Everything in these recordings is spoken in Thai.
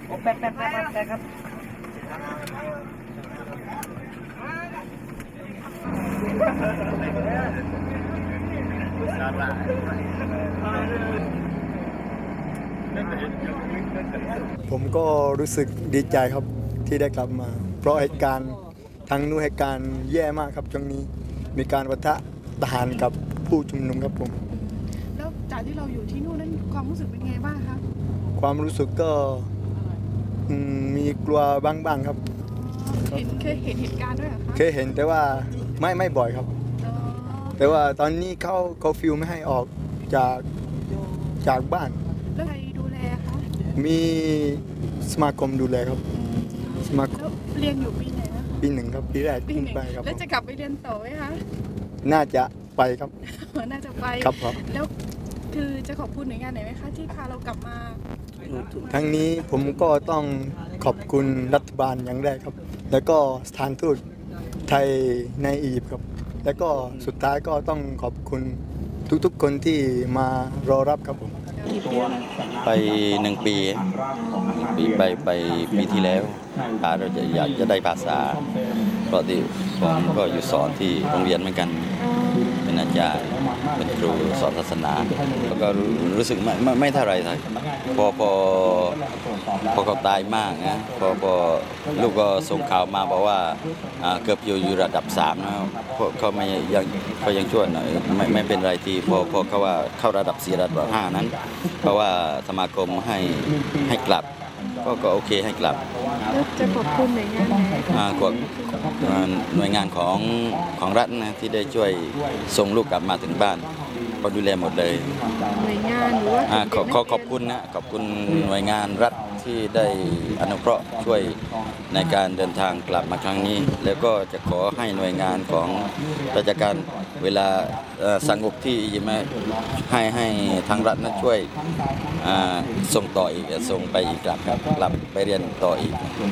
โอ้แป๊บครับผมก็รู้สึกดีใจครับที่ได้กลับมา เพราะเหตุการณ์ทางนู้นเหตุการณ์แย่มากครับช่วงนี้มีการปะทะทหารกับผู้ชุมนุมครับผมแล้วจากที่เราอยู่ที่นู่นนั้นความรู้สึกเป็นไงบ้างคะความรู้สึกก็มีกลัวบ้างครับเคยเห็นเหตุการณ์ด้วยเหรอคะเคยเห็นแต่ว่าไม่บ่อยครับแต่ว่าตอนนี้เขาฟิลไม่ให้ออกจากบ้านแล้วใครดูแลคะมีสมาคมดูแลครับสมาคมเรียนอยู่ปีไหนนะปี1ครับปีแรกขึ้นไปครับแล้วจะกลับไปเรียนต่อไหมคะน่าจะไปครับน่าจะไปครับแล้วคือจะขอบคุณหน่วยงานไหนไหมคะที่พาเรากลับมาทั้งนี้ผมก็ต้องขอบคุณรัฐบาลอย่างแรกครับแล้วก็สถานทูตไทยในอียิปต์ครับแล้วก็สุดท้ายก็ต้องขอบคุณทุกๆคนที่มารอรับครับผมไป1 ปีไปปีที่แล้วเราอยากจะได้ภาษาเพราะที่ผมก็อยู่สอนที่โรงเรียนเหมือนกันเป็นอาจารย์เป็นครูสอนศาสนาแล้วก็รู้สึกไม่เท่าไรพอเขาตายมากนะพอลูกก็ส่งข่าวมาบอกว่าเกือบอยู่ระดับ3นะเขายังช่วยหน่อยไม่เป็นไรที่พอเขาว่าเข้าระดับ4ระดับ5นั้นเพราะว่าสมาคมให้กลับก็โอเคให้กลับจะขอบคุณหน่วยงานหน่วยงานของรัฐนะที่ได้ช่วยส่งลูกกลับมาถึงบ้านก็ดูแลหมดเลยหน่วยงานหรือว่าขอบคุณนะขอบคุณหน่วยงานรัฐที่ได้อนุเคราะห์ช่วยในการเดินทางกลับมาครั้งนี้แล้วก็จะขอให้หน่วยงานของราชการเวลาสงบที่ให้ทางรัฐนั้นช่วยส่งต่ออีกส่งไปอีกกลับไปเรียนต่ออีก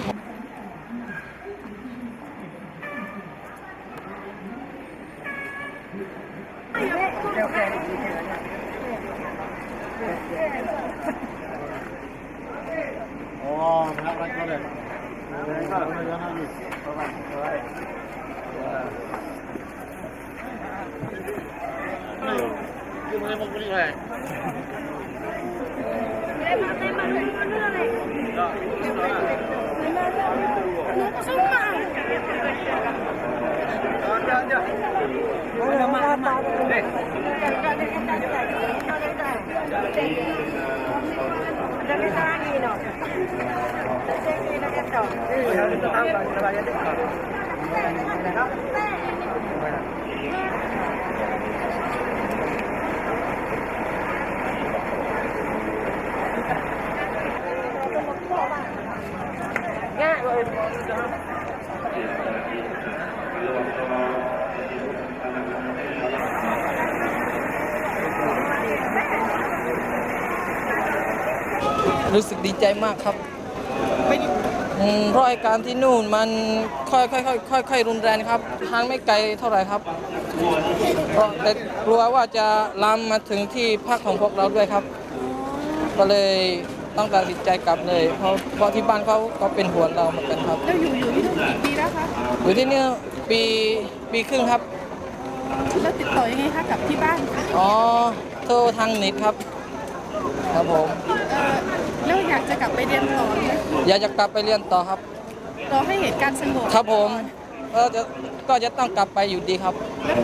รู้สึกดีใจมากครับเพราะเหตุการณ์ที่นู่นมันค่อยรุนแรงครับทางไม่ไกลเท่าไหร่ครับแต่กลัวว่าจะลามมาถึงที่พักของพวกเราด้วยครับก็เลยต้องตัดสินใจกลับเลยเพราะที่บ้านเขาก็เป็นห่วงเราเหมือนกันครับแล้วอยู่ที่นู่นกี่ปีแล้วคะอยู่ที่นี่ปีครึ่งครับแล้วติดต่อยังไงคะกับที่บ้านโทรทางเน็ตครับผมแล้วอยากจะกลับไปเรียนต่อไหมอยากจะกลับไปเรียนต่อครับรอให้เหตุการณ์สงบครับผมก็จะต้องกลับไปอยู่ดีครับ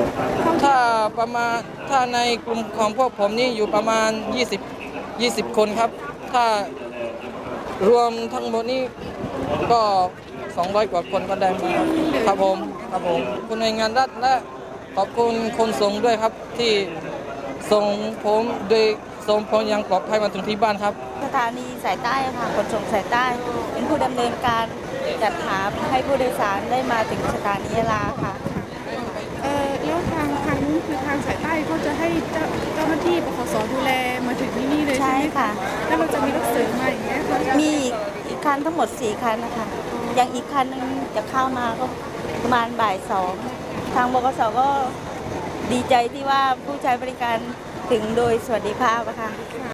ถ้าในกลุ่มของพวกผมนี่อยู่ประมาณ20 คนครับถ้ารวมทั้งหมดนี่ก็200 กว่าคนก็ได้มาครับผมคุณหน่วยงานรัฐและขอบคุณคนส่งด้วยครับที่ส่งผมโดยส่งผมยังปลอดภัยมาถึงที่บ้านครับสถานีสายใต้ค่ะขนส่งสายใต้เป็นผู้ดำเนินการจัดหาให้ผู้โดยสารได้มาถึงสถานียะลาค่ะแล้วทางนู้นคือทางสายใต้เขาจะให้เจ้าหน้าที่ปคส.ดูแลมาถึงที่นี่เลยใช่ไหมค่ะแล้วเราจะมีรถเสริมมาอย่างเงี้ยมีอีกคันทั้งหมด4 คันนะคะอย่างอีกคันนึงจะเข้ามาก็ประมาณบ่าย 2ทางบกส.ก็ดีใจที่ว่าผู้ใช้บริการถึงโดยสวัสดิภาพค่ะ